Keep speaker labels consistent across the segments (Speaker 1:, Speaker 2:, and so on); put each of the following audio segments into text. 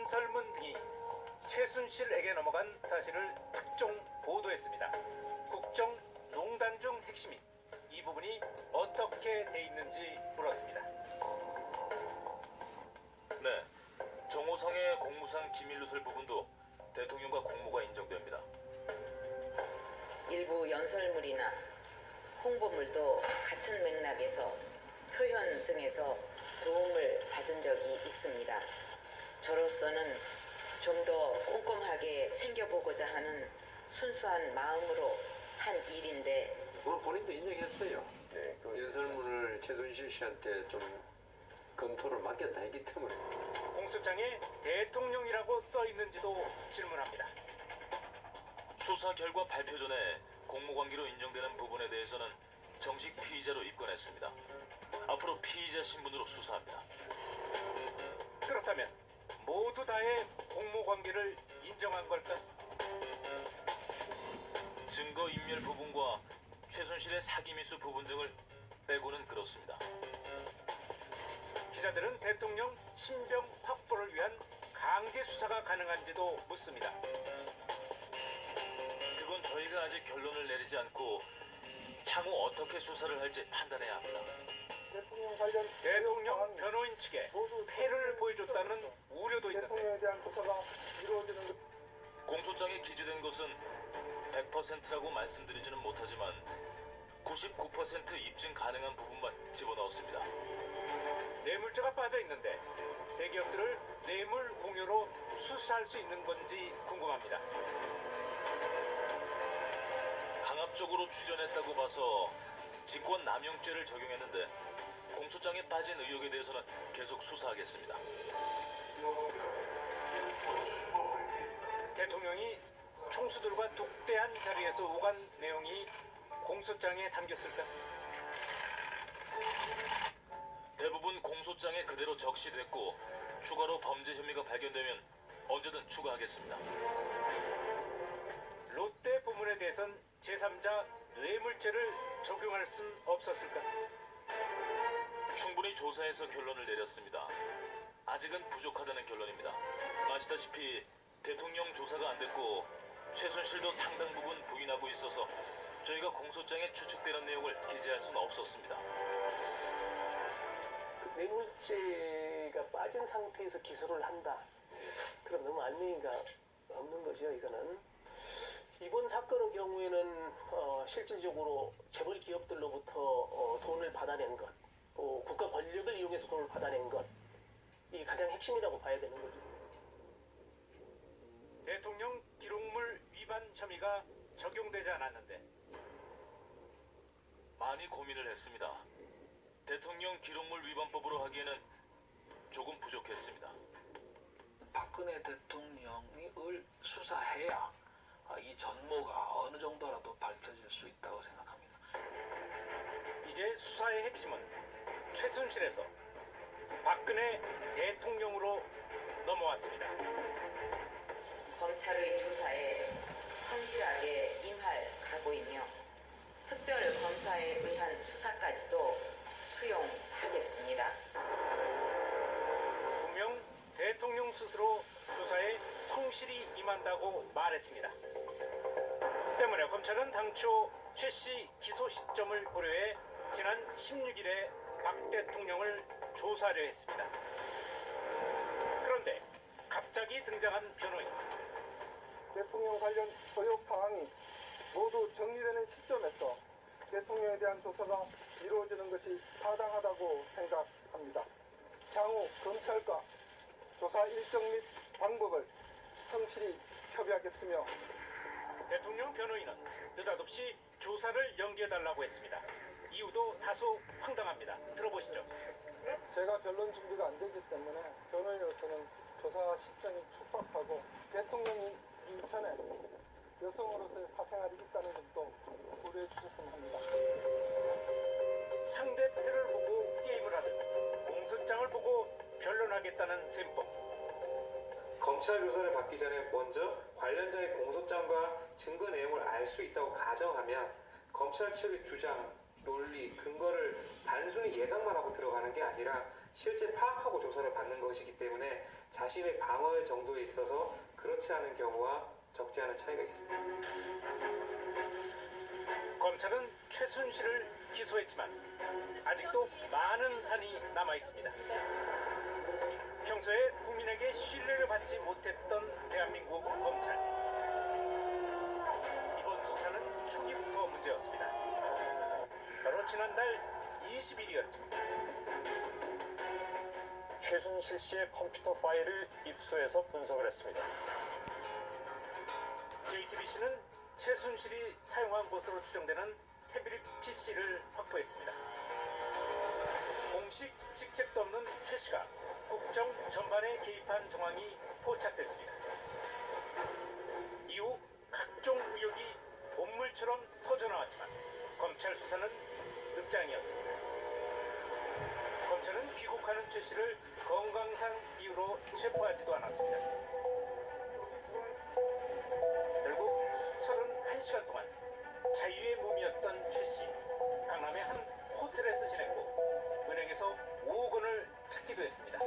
Speaker 1: 연설문 등이 최순실에게 넘어간 사실을 특종 보도했습니다. 국정농단 중 핵심인 이 부분이 어떻게 돼 있는지 물었습니다.
Speaker 2: 네, 정호성의 공무상 기밀 누설 부분도 대통령과 공모가 인정됩니다.
Speaker 3: 일부 연설물이나 홍보물도 같은 맥락에서 표현 등에서 도움을 받은 적이 있습니다. 저로서는 좀 더 꼼꼼하게 챙겨보고자 하는 순수한 마음으로 한 일인데
Speaker 4: 오늘 본인도 인정했어요. 네, 그 연설문을 최순실 씨한테 좀 검토를 맡겼다 했기 때문에.
Speaker 1: 공소장에 대통령이라고 써 있는지도 질문합니다.
Speaker 2: 수사 결과 발표 전에 공모관계로 인정되는 부분에 대해서는 정식 피의자로 입건했습니다. 앞으로 피의자 신분으로 수사합니다.
Speaker 1: 그렇다면 모두 다의 공모관계를 인정한 걸까?
Speaker 2: 증거인멸 부분과 최순실의 사기미수 부분 등을 빼고는 그렇습니다.
Speaker 1: 기자들은 대통령 신병 확보를 위한 강제 수사가 가능한지도 묻습니다.
Speaker 2: 그건 저희가 아직 결론을 내리지 않고 향후 어떻게 수사를 할지 판단해야 합니다.
Speaker 1: 대통령 변호인 측에 패를 보여줬다는 우려도 있는데
Speaker 5: 대통령에 대한 조사가 이루어지는 것.
Speaker 2: 공소장에 기재된 것은 100%라고 말씀드리지는 못하지만 99% 입증 가능한 부분만 집어넣었습니다.
Speaker 1: 뇌물죄가 빠져 있는데 대기업들을 뇌물 공여로 수사할 수 있는 건지 궁금합니다.
Speaker 2: 강압적으로 출연했다고 봐서 직권남용죄를 적용했는데 공소장에 빠진 의혹에 대해서는 계속 수사하겠습니다.
Speaker 1: 대통령이 총수들과 독대한 자리에서 오간 내용이 공소장에 담겼을까?
Speaker 2: 대부분 공소장에 그대로 적시됐고 추가로 범죄 혐의가 발견되면 언제든 추가하겠습니다.
Speaker 1: 롯데 부문에 대해선 제3자 뇌물죄를 적용할 순 없었을까?
Speaker 2: 충분히 조사해서 결론을 내렸습니다. 아직은 부족하다는 결론입니다. 아시다시피 대통령 조사가 안 됐고 최순실도 상당 부분 부인하고 있어서 저희가 공소장에 추측되는 내용을 기재할 수는 없었습니다.
Speaker 6: 그 뇌물죄가 빠진 상태에서 기소를 한다. 그럼 너무 알맹이가 없는 거죠. 이거는 이번 사건의 경우에는 실질적으로 재벌 기업들로부터 돈을 받아낸 것, 또 국가 권력을 이용해서 돈을 받아낸 것, 이게 가장 핵심이라고 봐야 되는 거죠.
Speaker 1: 대통령 기록물 위반 혐의가 적용되지 않았는데
Speaker 2: 많이 고민을 했습니다. 대통령 기록물 위반법으로 하기에는 조금 부족했습니다.
Speaker 7: 박근혜 대통령을 수사해야 이 전모가 어느 정도라도 밝혀질 수 있다고 생각합니다.
Speaker 1: 이제 수사의 핵심은 최순실에서 박근혜 대통령으로 넘어왔습니다.
Speaker 3: 검찰의 조사에 성실하게 임할 각오이며 특별 검사에 의한 수사까지도 수용하겠습니다.
Speaker 1: 분명 대통령 스스로 조사에 성실히 임한다고 말했습니다. 때문에 검찰은 당초 최 씨 기소 시점을 고려해 지난 16일에 박 대통령을 조사하려 했습니다. 그런데 갑자기 등장한 변호인.
Speaker 5: 대통령 관련 의혹 사항이 모두 정리되는 시점에서 대통령에 대한 조사가 이루어지는 것이 타당하다고 생각합니다. 향후 검찰과 조사 일정 및 방법을 성실히 협의하겠으며
Speaker 1: 대통령 변호인은 느닷없이 조사를 연기해달라고 했습니다. 이유도 다소 황당합니다. 들어보시죠.
Speaker 5: 제가 변론 준비가 안 되기 때문에 변호인으로서는 조사 시점이 촉박하고 대통령이 이전에 여성으로서의 사생활이 있다는 점도 고려해 주셨으면 합니다.
Speaker 1: 상대편을 보고 게임을 하듯 공소장을 보고 변론하겠다는 셈법.
Speaker 8: 검찰 조사를 받기 전에 먼저 관련자의 공소장과 증거 내용을 알 수 있다고 가정하면 검찰 측의 주장, 논리, 근거를 단순히 예상만 하고 들어가는 게 아니라 실제 파악하고 조사를 받는 것이기 때문에 자신의 방어 정도에 있어서 그렇지 않은 경우와 적지 않은 차이가 있습니다.
Speaker 1: 검찰은 최순실을 기소했지만 아직도 많은 산이 남아 있습니다. 평소에 국민에게 신뢰를 받지 못했던 대한민국 검찰. 이번 수사는 초기부터 문제였습니다. 바로 지난달 20일이었죠.
Speaker 9: 최순실 씨의 컴퓨터 파일을 입수해서 분석을 했습니다.
Speaker 1: JTBC는 최순실이 사용한 것으로 추정되는 태블릿 PC를 확보했습니다. 공식 직책도 없는 최 씨가 국정 전반에 개입한 정황이 포착됐습니다. 이후 각종 의혹이 본물처럼 터져나왔지만 검찰 수사는 늑장이었습니다. 검찰은 귀국하는 최 씨를 건강상 이유로 체포하지도 않았습니다. 결국 31시간 동안 자유의 몸이었던 최 씨. 강남의 한 호텔에서 지냈고 은행에서 5억 원을 찾기도 했습니다.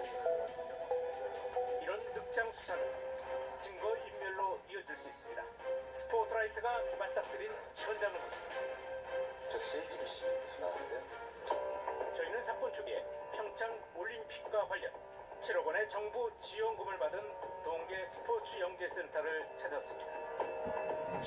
Speaker 1: 이런 늑장 수사는 증거 인멸로 이어질 수 있습니다. 스포트라이트가 맞닥뜨린 현장을 보십니다.
Speaker 9: 저 JTBC 지나가는데요.
Speaker 1: 저희는 사건 초기에 평창 올림픽과 관련 7억 원의 정부 지원금을 받은 동계 스포츠 영재센터를 찾았습니다.